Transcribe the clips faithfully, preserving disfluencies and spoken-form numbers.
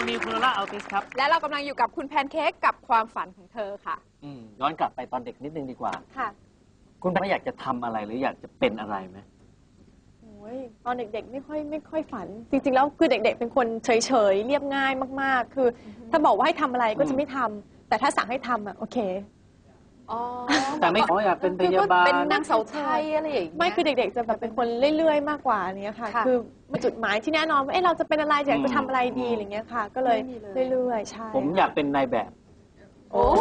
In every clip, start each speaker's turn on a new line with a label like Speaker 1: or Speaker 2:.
Speaker 1: นิวโคโรล่าอัลติสครับ
Speaker 2: และเรากำลังอยู่กับคุณแพนเค้กกับความฝันของเธอค่ะ
Speaker 1: อืมย้อนกลับไปตอนเด็กนิดนึงดีกว่า
Speaker 2: ค่ะ
Speaker 1: คุณไม่อยากจะทำอะไรหรืออยากจะเป็นอะไรไหม
Speaker 3: โอ้ยตอนเด็กๆไม่ค่อยไม่ค่อยฝันจริงๆแล้วคือเด็กๆเป็นคนเฉยๆเรียบง่ายมากๆคือถ้าบอกว่าให้ทำอะไรก็จะไม่ทำแต่ถ้าสั่งให้ทำอ่ะโอเค
Speaker 1: แต่ไม่ขออยากเป็นพยาบาล
Speaker 2: เป็นนางสาวไทยอะไรอย่างเงี้ย
Speaker 3: ไม่คือเด็กๆจะแบบเป็นคนเรื่อยๆมากกว่านี้ค่ะคือจุดหมายที่แน่นอนว่าเอ๊ะเราจะเป็นอะไรอยากจะทำอะไรดีอะไรเงี้ยค่ะก็เลยเรื่อยๆใช่
Speaker 1: ผมอยากเป็นนายแบบ
Speaker 3: โอ้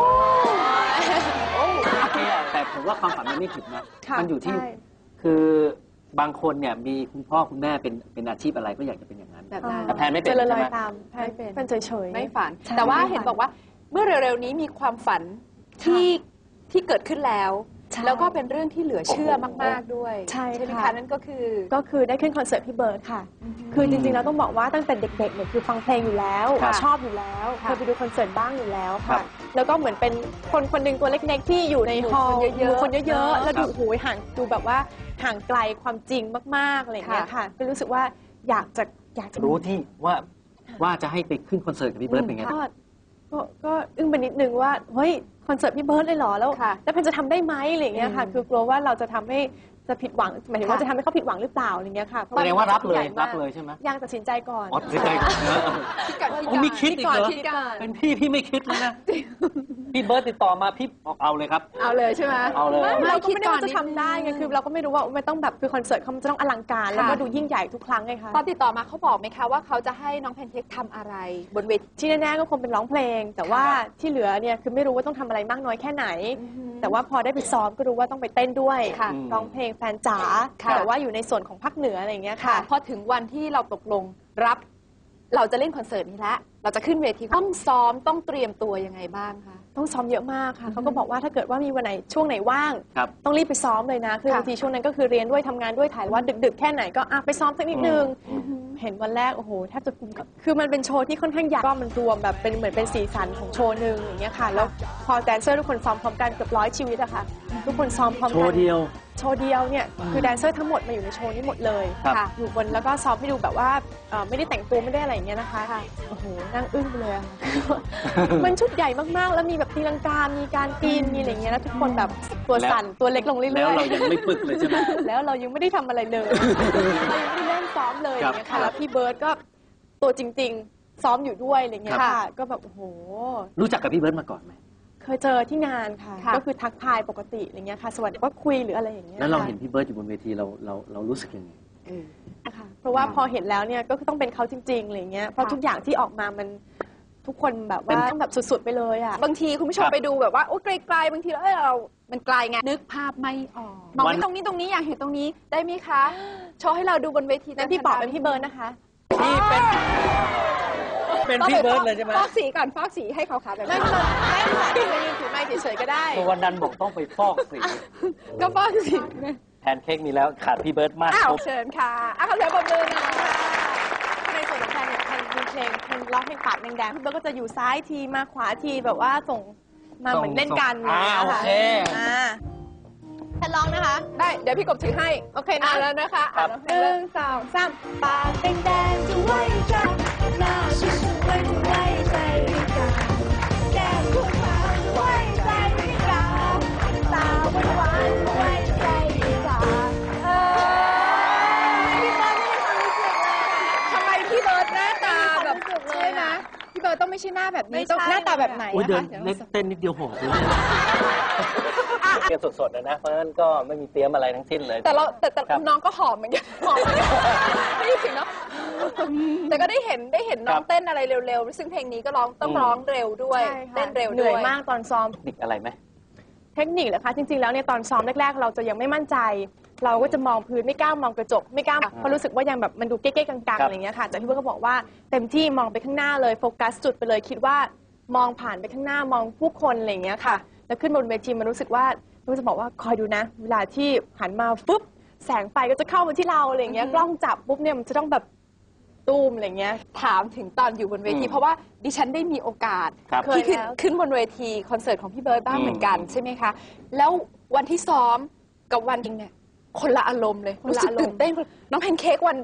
Speaker 1: โอเคแต่ผมว่าความฝันมันไม่ผิดนะมันอยู่ที่คือบางคนเนี่ยมีคุณพ่อคุณแม่เป็นเป็นอาชีพอะไรก็อยากจะเป็นอย่างนั้น
Speaker 2: แบบนั้น
Speaker 1: แต่แพนไม่เป็น
Speaker 3: ใช่ไหมแพนเป็นเฉย
Speaker 2: ๆไม่ฝันแต่ว่าเห็นบอกว่าเมื่อเร็วๆนี้มีความฝันที่ที่เกิดขึ้นแล้วแล้วก็เป็นเรื่องที่เหลือเชื่อมากๆด้วย
Speaker 3: ใช่
Speaker 2: ไหมคะนั่นก็คือ
Speaker 3: ก็คือได้ขึ้นคอนเสิร์ตพี่เบิร์ดค่ะคือจริงๆเราต้องบอกว่าตั้งแต่เด็กๆเนี่ยคือฟังเพลงอยู่แล้วชอบอยู่แล้วเคยไปดูคอนเสิร์ตบ้างอยู่แล้วค่ะแล้วก็เหมือนเป็นคนคนหนึ่งตัวเล็กๆที่อยู่ในฮอลล์เยอะๆคนเยอะๆแล้วดูโอ้ยห่างดูแบบว่าห่างไกลความจริงมากๆอะไรอย่างเงี้ยค่ะก็รู้สึกว่าอยากจะอยากจะ
Speaker 1: รู้ที่ว่าว่าจะให้ไปขึ้นคอนเสิร์ตกับพี่เบิร์ดเป็นไง
Speaker 3: ก็ก็อึ้งไปนิดนึงว่าเฮ้ยคอนเสิร์ตพี่เบิร์ดเลยเหรอแล้วแล้วเพนจะทำได้ไหมอะไรอย่างเงี้ยค่ะคือกลัวว่าเราจะทำให้จะผิดหวังหมายถึงว่าจะทำให้เขาผิดหวังหรือเปล่าอะไรเงี้ยค่ะ
Speaker 1: แสดงว่ารับเลยรับเลยใช่ไหม
Speaker 3: ยังตัดสินใจก่อน
Speaker 1: ตัดสินใจก่อนผมมีคิดอีกเหรอเป็นพี่พี่ไม่คิดเลยนะพี่เบิร์ดติดต่อมาพี่บอกเอาเลยครับ
Speaker 2: เอาเลยใช่ไหม
Speaker 1: เอาเลย
Speaker 3: เราก็ไม่ได้ว่าจะทำได้ไงคือเราก็ไม่รู้ว่าไม่ต้องแบบคือคอนเสิร์ตเขาจะต้องอลังการแล้วก็ดูยิ่งใหญ่ทุกครั้งไงคะ
Speaker 2: ตอนติดต่อมาเขาบอกไหมคะว่าเขาจะให้น้องแพนเค้กทำอะไรบนเวที
Speaker 3: ที่แน่ๆก็คงเป็นร้องเพลงแต่ว่าที่เหลือเนี่ยคือไม่รู้ว่าต้องทำอะไรมากน้อยแค่ไหนแต่ว่าพอได้ไปซ้อมก็รู้ว่าต้องไปเต้นด้วยร้องเพลงแฟนจ๋าแต่ว่าอยู่ในส่วนของภาคเหนืออะไรอย่างเงี้ยค่ะ
Speaker 2: พอถึงวันที่เราตกลงรับเราจะเล่นคอนเสิร์ตนี้แล้วเราจะขึ้นเวทีต้องซ้อมต้องเตรียมตัวยังไงบ้างคะ
Speaker 3: ต้องซ้อมเยอะมากค่ะเขาก็บอกว่าถ้าเกิดว่ามีวันไหนช่วงไหนว่างต้องรีบไปซ้อมเลยนะคือบางทีช่วงนั้นก็คือเรียนด้วยทำงานด้วยถ่ายว่าดึกๆแค่ไหนก็ไปซ้อมสักนิดนึงเห็นวันแรกโอ้โหแทบจะกุมกับคือมันเป็นโชว์ที่ค่อนข้างใหญ่ก็มันรวมแบบเป็นเหมือนเป็นสีสันของโชว์หนึ่งอย่างเงี้ยค่ะแล้วพอแดนเซอร์ทุกคนซ้อมพร้อมกันเกือบร้อยชีวิตอะค่ะทุกคนซ้อมพร้อมกัน
Speaker 1: โชว์เดียว
Speaker 3: โชว์เดียวเนี่ยคือแดนเซอร์ทั้งหมดมาอยู่ในโชว์นี้หมดเลยค่ะอยู่บนแล้วก็ซ้อมให้ดูแบบว่าไม่ได้แต่งตัวไม่ได้อะไรอย่างเงี้ยนะคะโอ้โหนั่งอึ้งไปเลยมันชุดใหญ่มากๆแล้วมีแบบตีลังกามีการปีนมีอะไรเงี้ยแล้วทุกคนแบบตัวสั่นตัวเล็กลงเรื่อยๆ
Speaker 1: แล้วเรายังไม่ฝึกเลยใช่ไหม
Speaker 3: แล้วเรายังไม่ได้ทำอะไรเลยเรายังไม่ได้เริ่มซ้อมเลยอย่างเงี้ยค่ะแล้วพี่เบิร์ดก็ตัวจริงๆซ้อมอยู่ด้วยอะไรเงี้ยค่ะก็แบบโอ้โห
Speaker 1: รู้จักกับพี่เบิร์ดมาก่อนไหม
Speaker 3: เคยเจอที่งานค่ะก็คือทักทายปกติอะไรเงี้ยค่ะสวัสดีว่าคุยหรืออะไรอย่างเงี้ย
Speaker 1: แล้วเราเห็นพี่เบิร์ดอยู่บนเวทีเราเราเรารู้สึกยังไง
Speaker 3: ค่ะเพราะว่าพอเห็นแล้วเนี่ยก็ต้องเป็นเขาจริงๆอะไรเงี้ยเพราะทุกอย่างที่ออกมามันทุกคนแบบว่าต้องแบบสุดๆไปเลยอ่ะ
Speaker 2: บางทีคุณผู้ชมไปดูแบบว่าโอ้ไกลๆบางทีแล้วเรามันไกลไงนึกภาพไม่ออกมองตรงนี้ตรงนี้อยากเห็นตรงนี้ได้ไหมคะโชว์ให้เราดูบนเวที
Speaker 3: นั่นพี่บอกเป็นพี่เบิร์ดนะคะ
Speaker 1: พี่เป็นเป็นพี่เบิร์ดเลยใช่ไหม
Speaker 2: ฟอกสีก่อนฟอกสีให้เขาค่ะแบบ
Speaker 3: ไม่ไม่ไม่ค่ะไม่ยืนถือไม้เฉยๆก็ได้
Speaker 1: วันนั้นบอกต้องไปฟอกสี
Speaker 2: ก็ฟอกสี
Speaker 1: แพนเค้กมีแล้วขาดพี่เบิร์ดมาก
Speaker 2: เชิญค่ะอ่ะขอเสียงปรบมือหน่อย
Speaker 3: ในส่วนของแพนเนี่ยแพนมีเพลงเพลงร้องเพลงปากแดงๆพี่เบิร์ดก็จะอยู่ซ้ายทีมาขวาทีแบบว่าส่งมาเหมือนเล่นกัน
Speaker 1: อ่าโอเค
Speaker 3: แพนร้องนะคะ
Speaker 2: ได้เดี๋ยวพี่กบถือให้
Speaker 3: โอเคนะ
Speaker 2: แล้วนะคะ
Speaker 3: หนึ่งสองสามปากแดงๆจะไว้ใจหน้าสวยๆจะไว้ใจไม่กล้าแก้มขาวๆไว้ใจไม่กล้าตาหวานๆไว้ใจไม่กล้าเออพี่เบิร์ดไม่ได้ความรู้สึกเลย
Speaker 2: ทำไมพี่เบิร์ดหน้าตาแบบใช่ไหมพี่เบิร์ดต้องไม่ใช่หน้าแบบนี้ต้องหน้าตาแบบไหน
Speaker 1: โอ้ยเดินเต้นนิดเดียวหอบเลยเตรียมสดๆนะนะเพราะฉะนั้นก็ไม่มีเตรียมอะไรทั้งสิ้นเลย
Speaker 2: แต่เราแต่แต่น้องก็หอมเหมือนกันหอมไม่ได้ถึงเนาะแต่ก็ได้เห็นได้เห็นน้องเต้นอะไรเร็วๆซึ่งเพลงนี้ก็ร้องต้องร้องเร็วด้วยเต้นเร็วด้วย
Speaker 3: เหนื่อยมากตอนซ้อม
Speaker 1: เทคนิคอะไรไหม
Speaker 3: เทคนิคเหรอคะจริงๆแล้วเนี่ยตอนซ้อมแรกๆเราจะยังไม่มั่นใจเราก็จะมองพื้นไม่กล้ามองกระจกไม่กล้าเพราะรู้สึกว่ายังแบบมันดูเก๊ๆกังๆอะไรเงี้ยค่ะแต่พี่เบิร์ดก็บอกว่าเต็มที่มองไปข้างหน้าเลยโฟกัสจุดไปเลยคิดว่ามองผ่านไปข้างหน้ามองผู้คนอะไรเงี้ยค่ะแล้วขึ้นบนเวทีมันรู้สึกว่าเราจะบอกว่าคอยดูนะเวลาที่หันมาปุ๊บแสงไฟก็จะเข้ามาที่เราอะไรเงี้ยกล้องจับปุ๊บเนี่ยมันจะต้องแบบตูมอะไรเงี้ย
Speaker 2: ถามถึงตอนอยู่บนเวทีเพราะว่าดิฉันได้มีโอกาสที่ขึ้นขึ้นบนเวทีคอนเสิร์ตของพี่เบิร์ดบ้างเหมือนกันใช่ไหมคะแล้ววันที่ซ้อมกับวันจริงเนี่ยคนละอารมณ์เลยรู้สึกตื่นเต้นน้องแพนเค้กวัน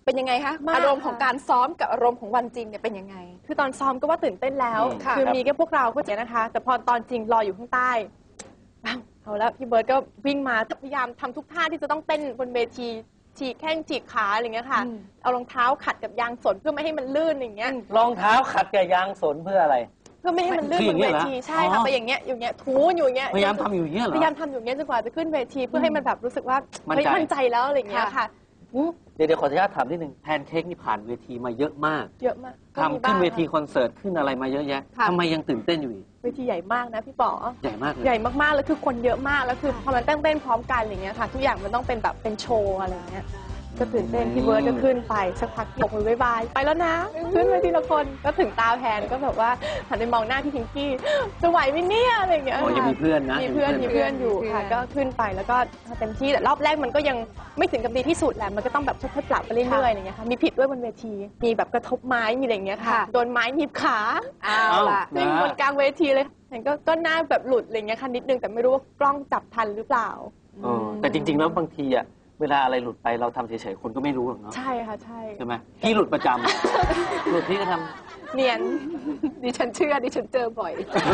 Speaker 2: เป็นยังไงคะ
Speaker 3: มาก
Speaker 2: อารมณ์ของการซ้อมกับอารมณ์ของวันจริงเนี่ยเป็นยังไง
Speaker 3: คือตอนซ้อมก็ว่าตื่นเต้นแล้ว
Speaker 1: อืม
Speaker 2: ค่ะ
Speaker 3: คือมีแค่พวกเราก็เจ๋งนะคะ แต่พอตอนจริงรออยู่ข้างใต้อ้าวเอาแล้วพี่เบิร์ดก็วิ่งมาพยายามทำทุกท่าที่จะต้องเต้นบนเวทีฉีกแข้งฉีกขาอะไรอย่างเงี้ยค่ะ
Speaker 2: อืม
Speaker 3: เอารองเท้าขัดกับยางสนเพื่อไม่ให้มันลื่นอย่างเงี้ย
Speaker 1: รองเท้าขัดกับยางสนเพื่ออะไร
Speaker 3: เพื่อไม่ให้มันลื่น
Speaker 1: คือบ อน ย่างเงี้
Speaker 3: เวย
Speaker 1: เหรอ
Speaker 3: ทีใช่ค่ะ
Speaker 1: อ๋อ
Speaker 3: ไปอย่างเงี้ยอยู่เงี้ยถูอยู่อย่างเงี้ย
Speaker 1: พยายามทำอยู่อย่างเงี้ยเหรอ
Speaker 3: พยายามทำอยู่อย่างเงี้ยจนกว่าจะขึ้นเวทีเพื่อให้มันแบบรู้สึกว่า
Speaker 1: มั่น
Speaker 3: เฮ้ย
Speaker 1: ใจ
Speaker 3: มั่นใจแล้วอะไรอย่างเงี้ยค่ะ
Speaker 1: เดี๋ยวเดี๋ยวขออนุญาตถามนิดนึงแพนเค้กนี่ผ่านเวทีมาเยอะมาก
Speaker 3: เยอะมากก็มี
Speaker 1: ทำ
Speaker 3: บ้า
Speaker 1: ขึ้
Speaker 3: ง
Speaker 1: นเวทีคอนเสิร์ตขึ้นอะไรมาเยอะแยะ
Speaker 2: ค่ะ
Speaker 1: ทำไมยังตื่นเต้นอยู่อีก
Speaker 3: เวทีใหญ่มากนะพี่ป๋อ
Speaker 1: ใหญ่มากเลย
Speaker 3: ใหญ่มากๆแล้วคือคนเยอะมากแล้วคือพอมันเต้นเต้นพร้อมกันอะไรเงี้ยค่ะทุกอย่างมันต้องเป็นแบบเป็นโชว์อะไรเงี้ยก็ตื่นเต้นพี่เบิร์ดก็ขึ้นไปสักพักบอกมือบายบายไปแล้วนะขึ้นไปทีละคนก็ถึงตาแพนก็แบบว่าหันไปมองหน้าพี่พิงกี้จะไหวไหมเนี่ยอะไรเงี้ย
Speaker 1: อ๋อยังมีเพื่อนนะ
Speaker 3: มีเพื่อนมีเพื่อนอยู่ค่ะก็ขึ้นไปแล้วก็เต็มที่แต่รอบแรกมันก็ยังไม่ถึงกับดีที่สุดแหละมันก็ต้องแบบค่อยๆปรับไปเรื่อยๆอะไรเงี้ยค่ะมีผิดด้วยบนเวทีมีแบบกระทบไม้มีอะไรเงี้ยค่ะ
Speaker 2: ค่ะ
Speaker 3: โดนไม้หนีบขา
Speaker 2: เอาล่ะ
Speaker 1: นะ
Speaker 3: วิ่งบนกลางเวทีเลยเห็นก็ก็หน้าแบบหลุดอะไรเงี้ยค่ะนิดนึงแต่ไม่รู้ว่ากล้องจับทันหรือเปล่า
Speaker 1: เออแต่จริง ๆ แล้วบางทีอะเวลาอะไรหลุดไปเราทำเฉยๆคนก็ไม่รู้หรอกเนาะ
Speaker 3: ใช่ค่ะใช่
Speaker 1: ใช่ไหมพี่หลุดประจำ หลุดพี่ก็ทำ
Speaker 3: เนียน
Speaker 2: ดิฉันเชื่อดิฉันเจอบ่อย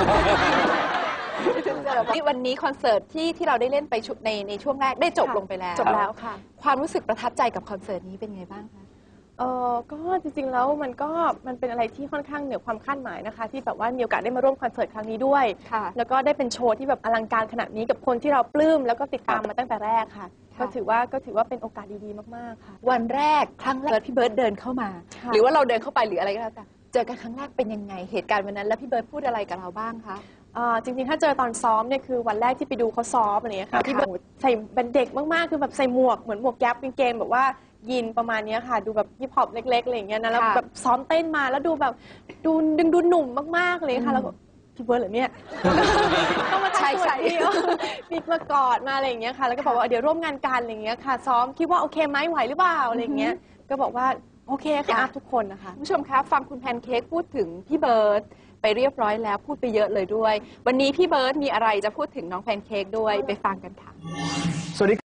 Speaker 2: ดิฉันเจอบ่อยวันนี้คอนเสิร์ตที่ที่เราได้เล่นไปชุดในในช่วงแรกได้จบลงไปแล้ว
Speaker 3: จบแล้วค่ะ
Speaker 2: ความรู้สึกประทับใจกับคอนเสิร์ตนี้เป็นไงบ้างคะ
Speaker 3: เออก็จริงๆแล้วมันก็มันเป็นอะไรที่ค่อนข้างเหนือความคาดหมายนะคะ ที่แบบว่ามีโอกาสได้มาร่วมคอนเสิร์ตครั้งนี้ด้วย
Speaker 2: ค่ะ
Speaker 3: แล้วก็ได้เป็นโชว์ที่แบบอลังการขนาดนี้กับคนที่เราปลื้มแล้วก็ติดตามมาตั้งแต่แรกค่ะ
Speaker 2: ค่ะ
Speaker 3: ก็ถือว่าก็ถือว่าเป็นโอกาสดีๆมากๆค่ะ
Speaker 2: วันแรกครั้งแรกพี่เบิร์ดเดินเข้ามา
Speaker 3: ค่ะ
Speaker 2: หรือว่าเราเดินเข้าไปหรืออะไรก็แล้วแต่เจอกันครั้งแรกเป็นยังไงเหตุการณ์วันนั้นแล้วพี่เบิร์ดพูดอะไรกับเราบ้างคะ
Speaker 3: อ่าจริงๆ ถ้าเจอตอนซ้อมเนี่ยคือวันแรกที่ไปดูเขาซ้อมอะไรเงี้ย
Speaker 2: ครั
Speaker 3: ค่ะ
Speaker 2: บ
Speaker 3: ที่แบบใส่เป็นเด็กมากๆ คือแบบใส่หมวกเหมือนหมวกแก๊ปกางเกงแบบว่ายีนประมาณเนี้ยค่ะ ดูแบบฮิปฮอปเล็กๆอะไรอย่างเงี้ยนะแล้วแบบซ้อมเต้นมาแล้วดูแบบดูดึงดูหนุ่มมากๆเลยค่ะแล้วก็พี่เบิร์ดเหรอเนี่ย ต้องมาทักสวัสดีมีมากอดมาอะไรอย่างเงี้ยค่ะแล้วก็บอกว่าเดี๋ยวร่วมงานกันอะไรอย่างเงี้ยค่ะซ้อมคิดว่าโอเคไหมไหวหรือเปล่าอะไรอย่างเงี้ยก็บอกว่าโอเคค่ะทุกคนนะคะ
Speaker 2: คุณผู้ชมคะฟังคุณแพนเค้กพูดถึงพี่เบิร์ดไปเรียบร้อยแล้วพูดไปเยอะเลยด้วย วันนี้พี่เบิร์ดมีอะไรจะพูดถึงน้องแพนเค้กด้วยไปฟังกันค่ะ
Speaker 4: สวัสดี